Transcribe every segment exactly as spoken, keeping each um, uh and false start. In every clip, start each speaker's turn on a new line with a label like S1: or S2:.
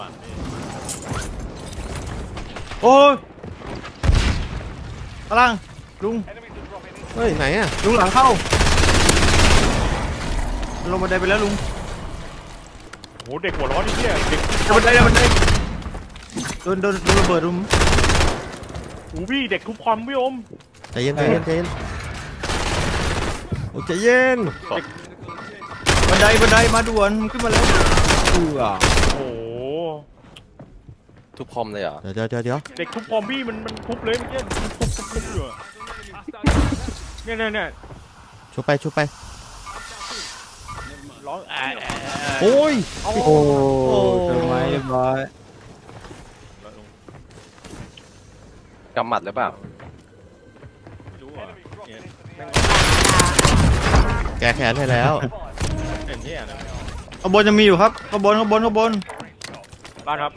S1: โอ้ยพลังลุง
S2: เฮ้ยไหนอะ
S1: ลุงหลังเข้าลงบันไดไปแล้วลุง
S3: โหเด็กหัวร้อนนี่เนี่ยเด็ก
S1: บันไดบันไดโดนโดนโดนระเบิดลุง
S3: หูพี่เด็กทุบคอมพี่อม
S2: ใจเย็นใจเย็นใจเย็นโอ้ใจเย็น
S1: บันไดบันไดมาด่วนขึ้นมาแล้วเอือ
S3: โอ้โห
S4: ทุบคอมเลยเหรอ
S2: เดี๋ยวเดี๋ยวเดี๋ยวเดี๋ยว
S3: เด็กทุบคอมพี่มันมันทุบเลยเมื่อกี้มันทุบทุบทุบอยู่อะเนี่ยเนี่ยเนี่ย
S2: ชุบไปชุบไป
S3: ร้องแอะแอะแอะ
S2: โอ้ย
S3: โอ้
S1: โอ้เกิดไหมเรียบร้อย
S4: กำหมัดหรือเปล่า
S3: ไม่รู้อ่ะเนี่ยแม่ง
S2: แกแขนให้แล้ว
S3: เห็นเนี่ยนะ
S1: ข้างบนยังมีอยู่ครับข้างบนข้างบนข้างบน
S3: บ้านครับ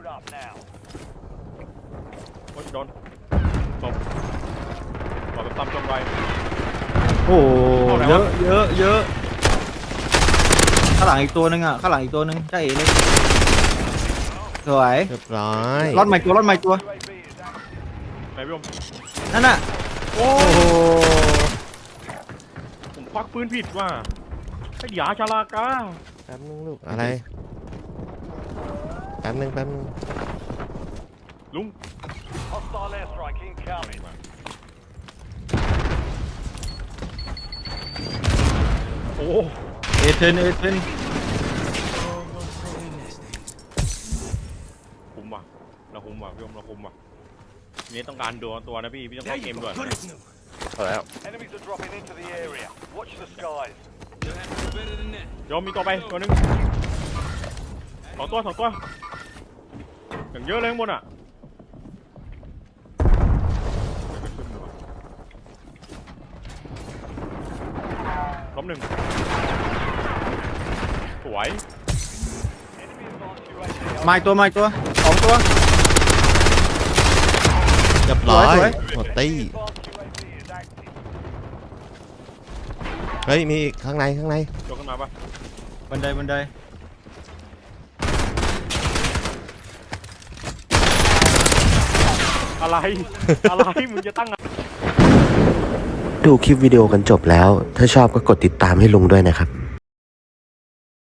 S3: โอ้ยโดนตบตบแบบตำจงไร
S1: โอ้เยอะเยอะเยอะข้างหลังอีกตัวนึงอ่ะข้างหลังอีกตัวนึงใช่เอ๋เลยสวย
S2: เรียบร้อย
S1: รอดใหม่ตัวรอดใหม่ตัว
S3: ไหนพี่อม
S1: นั่นน่ะ
S3: โอ้
S1: โอ้โห
S3: ผมควักปืนผิดว่ะไอ้หยาชาลากา
S2: แป๊บนึงลูกอะไรแป๊บนึงแป๊บนึง
S3: ลุง โอ้
S1: เอเทนเอเทน
S3: คุ้มว่ะเราคุ้มว่ะพี่อมเราคุ้มว่ะนี่ต้องการดูตัวนะพี่พี่ต้องเข้าเกมด้วย
S4: พอแล้ว
S5: Enemies are dropping into the area. Watch the skies.
S3: โยมมีตัวไปตัวหนึงสองตัวสองตัวอย่างเยอะเลยข้างบนอ่ะล้มหนึ่งสวย
S1: มาอีกตัวมาอีกตัวสองตัว
S2: เรียบร้อย
S1: สวย
S2: หมดตี้เฮ้ยมีอีกข้างในข้างใน
S3: ยกขึ้นมาปะ
S1: บันไดบันได
S3: อะไร อะไรมึงจะตั้ง
S6: ดูคลิปวิดีโอกันจบแล้ว ถ้าชอบก็กดติดตามให้ลุงด้วยนะครับ